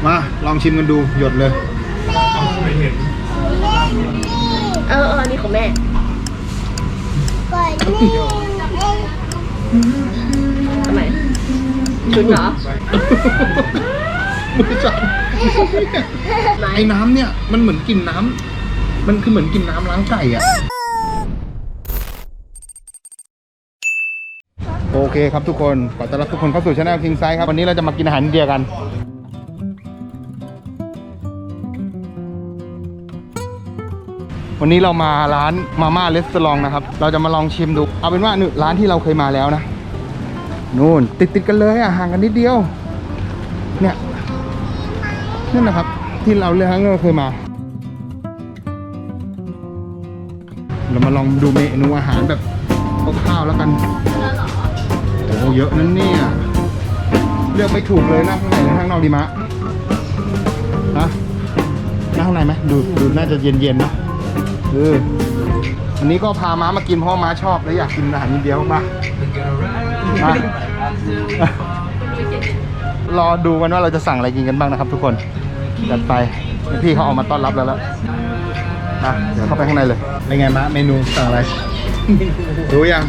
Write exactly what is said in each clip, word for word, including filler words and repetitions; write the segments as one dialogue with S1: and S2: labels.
S1: มาลองชิมกันดูหยดเลย
S2: เออเออนี่ของแม่ทำไมชุนเหรอ
S1: ไม่ใช่ไอ้น้ำเนี่ยมันเหมือนกินน้ำมันคือเหมือนกินน้ำล้างไก่อะโอเคครับทุกคนขอต้อนรับทุกคนเข้าสู่ช่อง King Size ครับวันนี้เราจะมากินอาหารอินเดียกันวันนี้เรามาร้านมาม่าเรสตอรองนะครับเราจะมาลองชิมดูเอาเป็นว่านี่ร้านที่เราเคยมาแล้วนะนู่นติดติดกันเลยอ่ะห่างกันนิดเดียวเนี่ยนั่นนะครับที่เราเลือกเราเคยมาเรามาลองดูเมนูอาหารแบบคร่าวๆแล้วกันโอ้เยอะนั่นเนี่ยเลือกไม่ถูกเลยนะข้างในหรือข้างนอกดีมะฮะนั่งข้างในไหมดูดูน่าจะเย็นๆเนาะเออวันนี้ก็พาม้ามากินเพราะม้าชอบและอยากกินอาหารอินเดียมากๆมารอดูกันว่าเราจะสั่งอะไรกินกันบ้างนะครับทุกคนจัดไปพี่เขาออกมาต้อนรับแล้วแล้วนะเดี๋ยวเข้าไปข้างในเลยเป็นไงมะเมนูสั่งอะไรรู้ยัง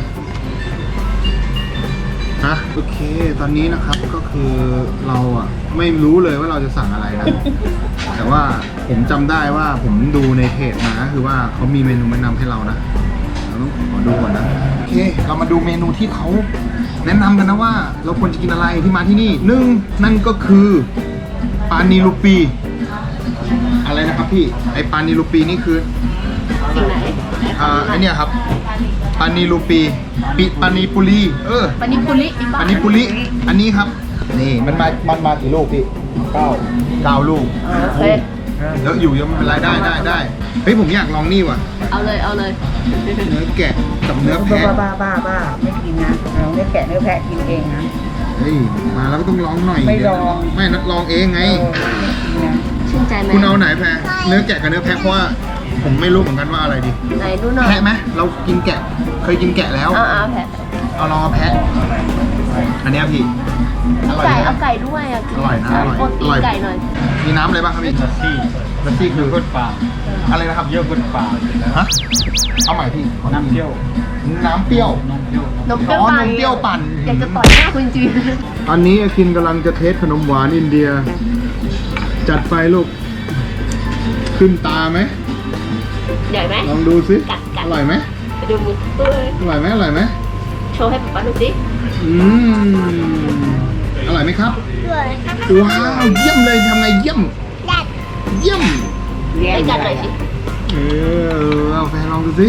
S1: ฮะโอเคตอนนี้นะครับก็คือเราอ่ะไม่รู้เลยว่าเราจะสั่งอะไรนะแต่ว่าผมจำได้ว่าผมดูในเพจมาคือว่าเขามีเมนูแนะนำให้เรานะเราต้องขอดูก่อนนะโอเคเรามาดูเมนูที่เขาแนะนำกันนะว่าเราควรจะกินอะไรที่มาที่นี่หนึ่งนั่นก็คือปานีลูปีอะไรนะครับพี่ไอปานีลูปีนี่คือ
S2: สิ่งไหน
S1: อ่าไอเนี่ยครับปานีลูปีปิปานีปุรีเออ
S2: ปานิปุริ
S1: ปานีปุรีอันนี้ครับนี่มันมามันมากี่ลูกพี่เก้าเก้าลูก
S2: โอเค
S1: เยอะอยู่ยังไม่เป็นไรได้ได้ได้เฮ้ยผมอยากลองนี่ว่ะ
S2: เอาเลยเอาเลย
S1: เนื้อแกะกับเนื้อแพะ
S3: บ้าบ้าบ้าไม่กินนะเราเนื้อแกะเนื้อแพะกินเองนะ
S1: เฮ้ยมาแล้วก็ต้องลองหน่อย
S3: ไม่ลอง
S1: ไม่นัดลองเองไง
S2: ชื่นใจไหม
S1: คุณเอาไหนแพะเนื้อแกะกับเนื้อแพะเพราะว่าผมไม่รู้เหมือนกันว่าอะไรดี
S2: ไหนดูหน่อย
S1: แพะไหมเรากินแกะเคยกินแกะแล้ว
S2: เอาเอาแพะ
S1: เอาลองเอาแพะอันนี้พี่
S2: ไก่เอาไก่ด้วยอ่ะ
S1: อร่อยนะอร่อย
S2: อร่อยไก่หน่อย
S1: มีน้ำอะไรบ้างครับพี่ลัสซี่ลัสซี่คือก้นปลาอะไรนะครับเยอะก้นปลาฮะเอาใหม่พี่น้ำเปรี้ยวน้ำเปรี้ยวนมเปรี้ยวนมเปรี้ยวปั่น
S2: อยากจะต่อยหน้าคุณจริง
S1: ตอนนี้อาคินกำลังจะเทสขนมหวานอินเดียจัดไฟลูกขึ้นตาไหม
S2: ใหญ่ไหม
S1: ลองดูสิอร่อยไหม
S2: ดูมือ
S1: อร่อยไหมอร่อยไหม
S2: โชว์ให้ป๊าป๊าดูสิ
S1: อืมอร่อยไหมครับว้าวเยี่ยมเลยทำไงเยี่ยมเยี่ยม
S2: ให้กันหน่อยสิ
S1: เออเอาแฟนลองดูสิ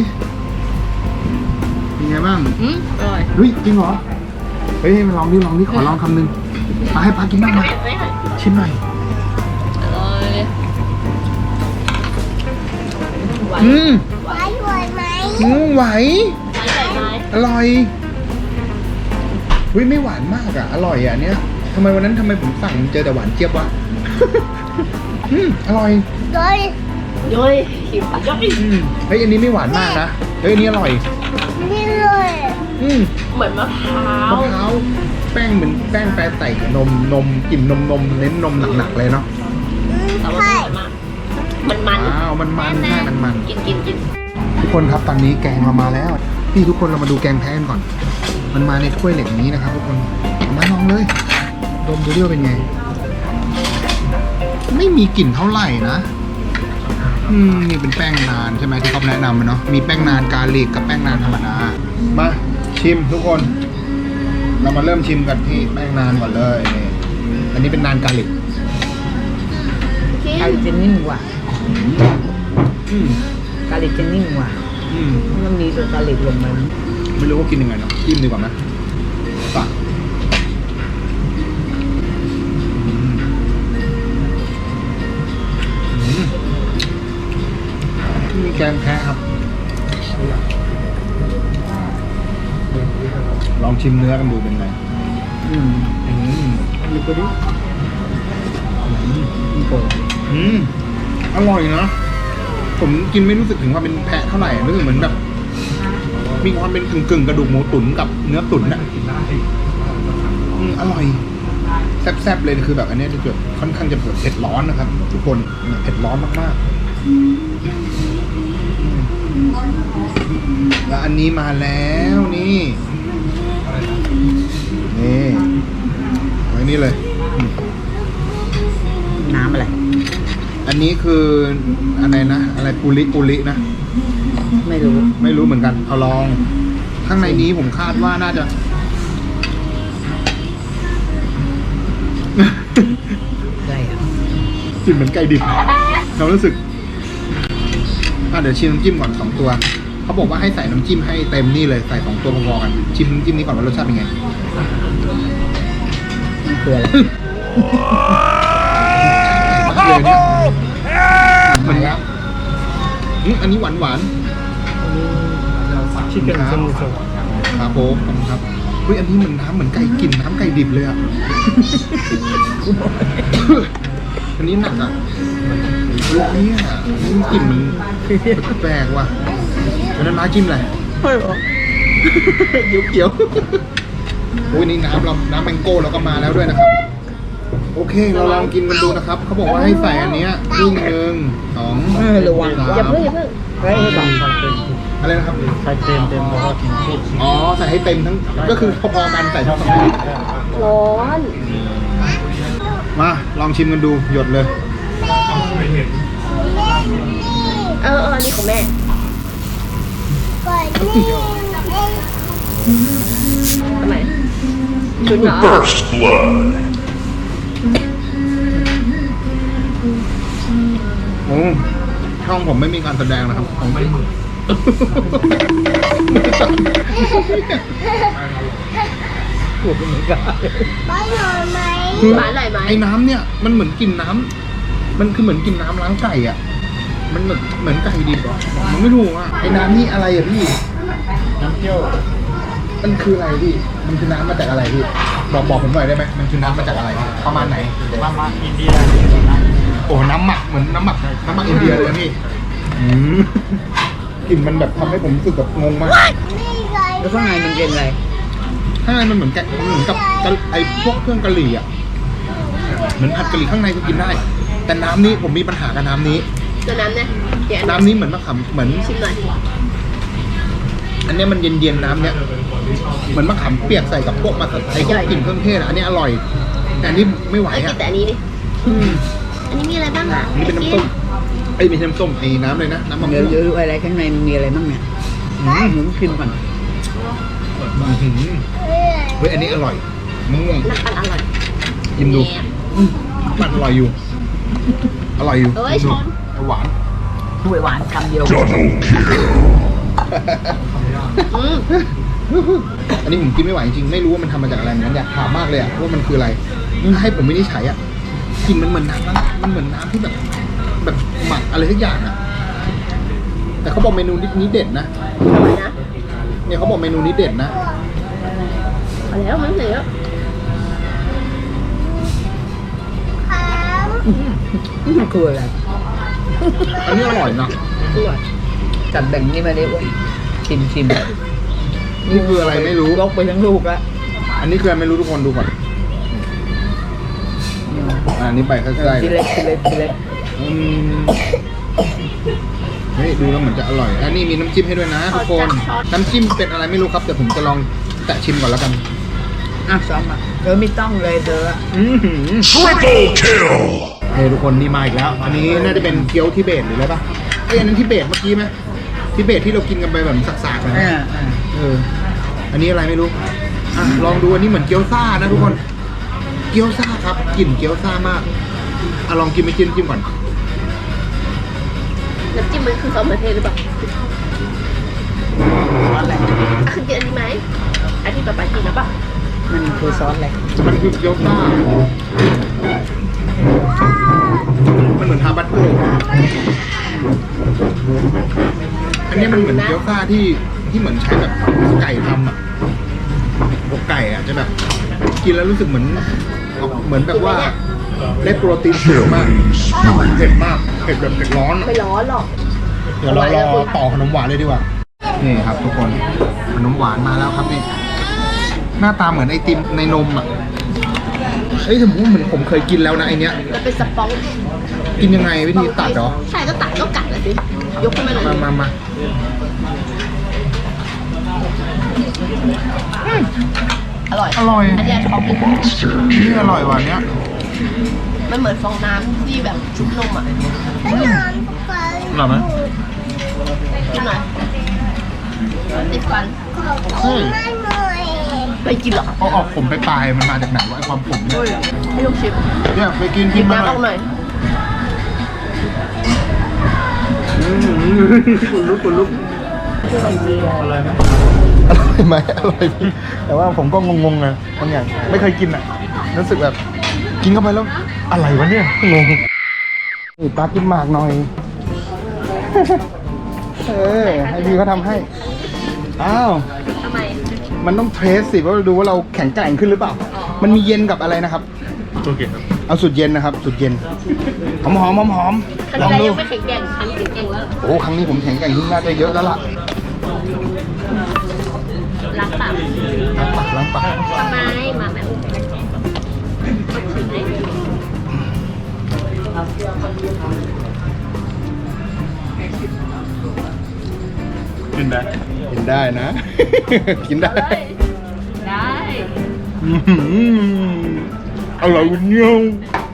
S1: เป็นไงบ้าง
S2: อืมอร่อย
S1: เฮ้ยจริงเหรอเฮ้ยมาลองดิลองดิขอลองคำหนึ่งมาให้ป้ากินบ้างมาชิมหน่อย
S2: อร่อย
S1: อืม
S2: ไหวไหวไหม
S1: อืมไหว
S2: ไหวไหม
S1: อร่อยเฮ้ยไม่หวานมากอ่ะอร่อยอ่ะเนี้ยทำไมวันนั้นทำไมผมสั่งเจอแต่หวานเจี๊ยบวะอืมอร่อย
S2: ย้อยย้อยหิวย้อย
S1: เฮ้ยอันนี้ไม่หวานมากนะเฮ้ยอันนี้อร่อย
S2: นี่เลย
S1: อืม
S2: เหมือนมะพร้าว
S1: มะพร้าวแป้งเหมือนแป้งแปรใส่กับนมนมกลิ่นนมนมเน้นนมหนักๆเลยเนาะ
S2: แต่ว่าอร่อยมากมันมัน
S1: อ้าวมันมันใช่มันมัน
S2: กินกินกิน
S1: ทุกคนครับตอนนี้แกงเรามาแล้วพี่ทุกคนเรามาดูแกงแพ้กันก่อนมันมาในถ้วยเหล็กนี้นะครับทุกคนมาลองเลยดมดูดิว่าเป็นไงไม่มีกลิ่นเท่าไหร่นะอืมนี่เป็นแป้งนานใช่ไหมที่เขาแนะนำมาเนาะมีแป้งนานกาลิกกับแป้งนานธรรมดามาชิมทุกคนเรามาเริ่มชิมกันที่แป้งนานก่อนเลยนี่อันนี้เป็นนานกาลิก
S3: กาลิกจะนิ่มกว่า
S1: อืม
S3: กาลิกจะนิ่มกว่า
S1: อืม
S3: มันมีตัวกาลิกลงมา
S1: ไม่รู้ว่ากินยังไงเนาะจิ้มดีกว่าไหมปะมีแกงแพะครับลองชิมเนื้อกันดูเป็นไงอืมอืมดูก็ดิอืมอืมอร่อยนะผมกินไม่รู้สึกถึงว่าเป็นแพะเท่าไหร่รู้สึกเหมือนแบบมีความเป็นกึ่งกึ่งกระดูกหมูตุ๋นกับเนื้อตุ๋นน่ะอืมอร่อยแซ่บๆเลยคือแบบอันนี้จะแบบค่อนข้างจะเผ็ดร้อนนะครับ ทุกคนเผ็ดร้อนมากๆแล้วอันนี้มาแล้วนี่นี่ไว้นี่เลยอืม
S3: น้ำอะไร
S1: อันนี้คืออะไรนะอะไรปุริปุรินะ
S3: ไม่รู้
S1: ไม่รู้เหมือนกันเอาลอง ข้างในนี้ผมคาดว่าน่าจะ
S3: ได้อะ
S1: กลิ่นเหมือนไก่ดิบเรารู้สึกอ่ะเดี๋ยวชิมน้ำจิ้มก่อนสองตัวเขาบอกว่าให้ใส่น้ำจิ้มให้เต็มนี่เลยใส่สองตัวพอๆกันชิมน้ำจิ้มนี้ก่อนว่ารสชาติเป็นไง
S3: มันคืออะไร
S1: เลยเนี่ยมันครับอืมอันนี้หวานหวาน
S4: ชิคเก้นซัมซุง
S1: ๆครับผมขอบคุณครับเฮ้ยอันนี้เหมือนน้ำเหมือนไก่กลิ่นน้ำไก่ดิบเลยอ่ะ อันนี้หนักอ่ะลูกเนี่ยนี่กลิ่นมันแปลกๆว่ะอันนั้นมาจิ้มอะไร
S3: ไม่รู้
S1: เขียวๆโอ้ยนี่น้ำเราน้ำแมงโก้เราก็มาแล้วด้วยนะครับ โอเคเราลองกินกันดูนะครับเขาบอกว่าให้ใส่อันเนี้ยครึ่งหนึ่งสอง
S3: เออระวัง
S1: สาม
S2: อย่าเพิ่งอย่าเพิ่ง
S3: ไว้ให้ก่อน
S1: อะไรนะครับ
S4: ใส่เต็มเต็มแล้วก็กินทุก
S1: อ๋อใส่ให้เต็มทั้งก็คือพอๆกันใส่ทั้งสองอย่าง
S2: ร้อน
S1: มาลองชิมกันดูหยดเลย
S2: เออเอออันนี้ของแม่ทำไมชุดเหรอ
S5: First blood.
S1: โอ้ช่องผมไม่มีการแสดงนะครับผมไม่มือ
S3: ถูกเหมือนกัน
S1: คือ
S2: หวานอร่อยไหม
S1: ไอ้น้ำเนี่ยมันเหมือนกินน้ำมันคือเหมือนกินน้ำล้างไก่อ่ะ มันเหมือนเหมือนไก่ดิบอ่ะมันไม่ถูกอ่ะไอ้น้ำนี่อะไรอ่ะพี่
S4: น้ำเที่ยว
S1: มันคืออะไรพี่ มันคือน้ำมาจากอะไรพี่ บอกบอกผมหน่อยได้ไหมมันคือน้ำมาจากอะไร ประมาณไหน
S4: มามาอินเดียนะ
S1: โอ้น้ำหมักเหมือนน้ำหมักน้ำหมักอินเดียเลยนะพี่อืมกลิ่นมันแบบทำให้ผมรู้สึกแบบงงมาก
S3: แล้วข้างในมันเป็นอะไร
S1: ข้างในมันเหมือนแกะเหมือนกับกะไอ้พวกเครื่องกะหรี่อ่ะ เหมือนผัดกะหรี่ข้างในก็กินได้ แต่น้ำนี้ผมมีปัญหากับน้ำนี้
S2: ตัวน้ำเนี่ยเดี๋ยว
S1: น้ำนี้เหมือนมะขามเหมือน
S2: ชิมหน่อย
S1: อันเนี้ยมันเย็นๆน้ำเนี้ยเหมือนมะขามเปียกใส่กับพวกมาไอ้พวกกลิ่นเครื่องเทศอะอันนี้อร่อย แต่อันนี้ไม่ไหว
S2: เอากิ
S1: อ่ะ
S2: นแต่อันนี้ดิ
S1: อืม
S2: อันนี้มีอะไรบ้างอ่ะ
S1: อันนี้เป็นน้ำส้มไอ้ยไม่ใช่น้ำส้มไอ้น้ำเลยนะน้ำมะม่
S3: เดี๋ยว
S1: วง
S3: เดี๋ยวดูอะไรข้างในมันมีอะไรบ้างเนี่ย
S1: อืม
S3: หนูชิมก่อน
S1: อื้อหือเฮ้ยอันนี้อร่อยมะม่วง
S2: น้ำปั่นอร่อย
S1: ยิ้มดู
S2: แหน
S1: อืมมันอร่อยอยู่ อร่อยอยู่
S2: เอ้ยชน
S1: หวาน
S3: ถ้วยหวานคำเดียว
S5: Double kill.
S2: อืม
S1: อันนี้ผมกินไม่ไหวจริงๆไม่รู้ว่ามันทำมาจากอะไรเหมือนกันอยากถามมากเลยอะว่ามันคืออะไรให้ผมไม่ได้ใช้อะกลินมันเหมือนน้ำนะมันเหมือนน้ำที่แบบ แบบหมักอะไรทุกอย่างอะแต่เขาบอกเมนูนี้เด็ดนะ
S2: อร่อยนะ
S1: เนี่ยเขาบอกเมนูนี้เด็ดนะ
S2: เอาแล้วมันเหลือ
S3: มันคืออะไร
S1: อันนี้อร่อยนะ
S2: อร่อย
S3: จัดแบ่งนี่มาได้ว่าชิมชิม
S1: นี่คืออะไรไม่รู้
S3: ยกไปทั้งลูกแล้ว
S1: อันนี้คืออะไรไม่รู้ทุกคนดูก่อนอะอันนี้ไปใกล้ๆ
S3: ที
S1: เล
S3: เล็
S1: ย
S3: กทีเล็กทีเล็ก
S1: อืมเฮ้ยดูแล้วเหมือนจะอร่อย อันนี้มีน้ำจิ้มให้ด้วยนะทุกคน น้ำจิ้มเป็นอะไรไม่รู้ครับเดี๋ยวผมจะลองแตะชิมก่อนแล้วกัน
S3: อ่ะซ้อมอ่ะเออไม่ต้องเลยเธอ
S1: อือหือ
S5: Triple kill.
S1: เฮ้ยทุกคนนี่มาอีกแล้ว อันนี้น่าจะเป็นเกี๊ยวทิเบตหรืออะไรปะเอ้ยอันนั้นทิเบตเมื่อกี้ไหมทิเบตที่เรากินกันไปแบบสักๆนะ
S3: อ่าอ่า
S1: เออ อันนี้อะไรไม่รู้ อ่ะลองดูอันนี้เหมือนเกี๊ยวซ่านะทุกคน เกี๊ยวซ่าครับกลิ่นเกี๊ยวซ่ามากอ่ะลองกินไปจิ้มจิ้มก่อน
S2: น้ำจิ้มมันคือซอสมะเขือเทศหรือเปล่า
S3: ซอสอะไร
S2: อ่ะคือกินอันนี้ไหมอันที่ต่อไปกินแล้วป่ะ
S3: มันคือซอสอะไร
S1: มันคือเกี๊ยวซ่า มันเหมือนฮาบัตโกอันนี้มันเหมือนเกี๊ยวซ่าที่ที่เหมือนใช้แบบไก่ทำอ่ะอกไก่อ่ะจะแบบกินแล้วรู้สึกเหมือนเหมือนแบบว่าได้โปรตีนสูงมากเผ็ดมากเผ็ดแบบเผ็ดร้อน
S2: ไม่ร้อนหรอก
S1: เดี๋ยวเรารอต่อขนมหวานเลยดีกว่า นี่ครับทุกคนขนมหวานมาแล้วครับนี่หน้าตาเหมือนไอติมในนมอ่ะเฮ้ยผมว่าเหมือนผมเคยกินแล้วนะไอเนี้ย
S2: มันเป็นสปอง
S1: กินยังไงวิธีตัดเหรอ
S2: ใช่ก็ตัดก็กัดเลยสิยกขึ้นมาเลย
S1: มามามา
S2: อร่อย
S1: อร่อย
S2: อันเนี้ยชอบกิน
S1: นี่อร่อยว่ะเนี้ย
S2: มันเหมือนฟองน้ำที่แบบชุบนมอ่ะ
S1: อร่อยไหม
S2: กินหน่อยติดฟัน
S1: เฮ้ย
S2: ไม่กินหรอก
S1: เอาออกผมไปปลายมันมาจากไหนวะไอความผมเนี่ย
S2: ให้ลูกชิม
S1: เนี่ยไปกิน
S2: หยิ
S1: กิน
S2: บ
S1: มา
S2: น้ำออกหน่อย
S1: คุณลุกคุณลุก
S4: อะไรไหม
S1: อร่อยไหมอร่อยพี่แต่ว่าผมก็งงๆนะบางอย่างไม่เคยกินอ่ะรู้สึกแบบกินเข้าไปแล้วอะไรวะเนี่ยงงนี่ปลากินหมากหน่อย เออให้พี่เขาทำให้อ้าว
S2: ทำไม
S1: มันต้องเทสสิว่าดูว่าเราแข็งแกร่งขึ้นหรือเปล่า มันมีเย็นกับอะไรนะครับ
S4: ตัวเก่งครับ
S1: เอาสุดเย็นนะครับ สุดเย็นหอมหอมหอมหอม
S2: ครั้ง
S1: ลอง
S2: ที่แล้ว
S1: ดู
S2: ยังไม่แข็งแกร่งครั้งนี้แข็งแกร่งแล้ว
S1: โอ้ครั้งนี้ผมแข็งแกร่งขึ้นน่าจะเยอะแล้วล่ะ
S2: รักปาก
S1: ล้างปากล้างปาก
S2: ทำไมมาแม่อุ้มชิมเลย
S4: กินได้
S1: กินได้นะ กินได้
S2: ได้
S1: อื้อหืออร่อยเงี้ยว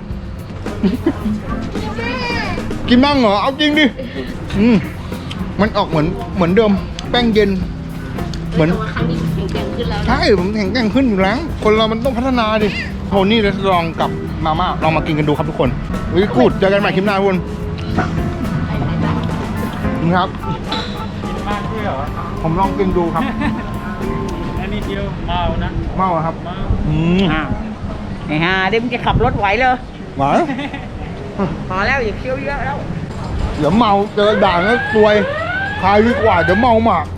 S1: กินบ้างเหรอ เอาจริงดิอืมมันออกเหมือนเหมือนเดิม แป้งเย็น เหมือน
S2: แต่ว่าครั้งนี้แข็งแกร่งขึ้นแล้วนะ
S1: ใช่ผมแข็งแกร่งขึ้นอยู่แล้ว คนเรามันต้องพัฒนาดิโทนี่เรสลองกับมาม่าลองมากินกันดูครับทุกคนวิกูดเจอกันใหม่คลิปหน้าทุกคนครับ
S4: กินมากด้วยเหรอ
S1: ผมลองกินดูครับ
S4: อันนี้เดียวเมานะ
S1: เมาอะครับ
S4: เมา
S1: อืม
S3: อ้าวไอ้ห่าเดี๋ยวมึงจะขับรถไหวเลย
S1: หวาน
S3: พอแล้วอย่าเคี้ยวเยอะแล้ว
S1: เดี๋ยวเมาเจอด่านแล้วซวยคายดีกว่าเดี๋ยวเมาหมาก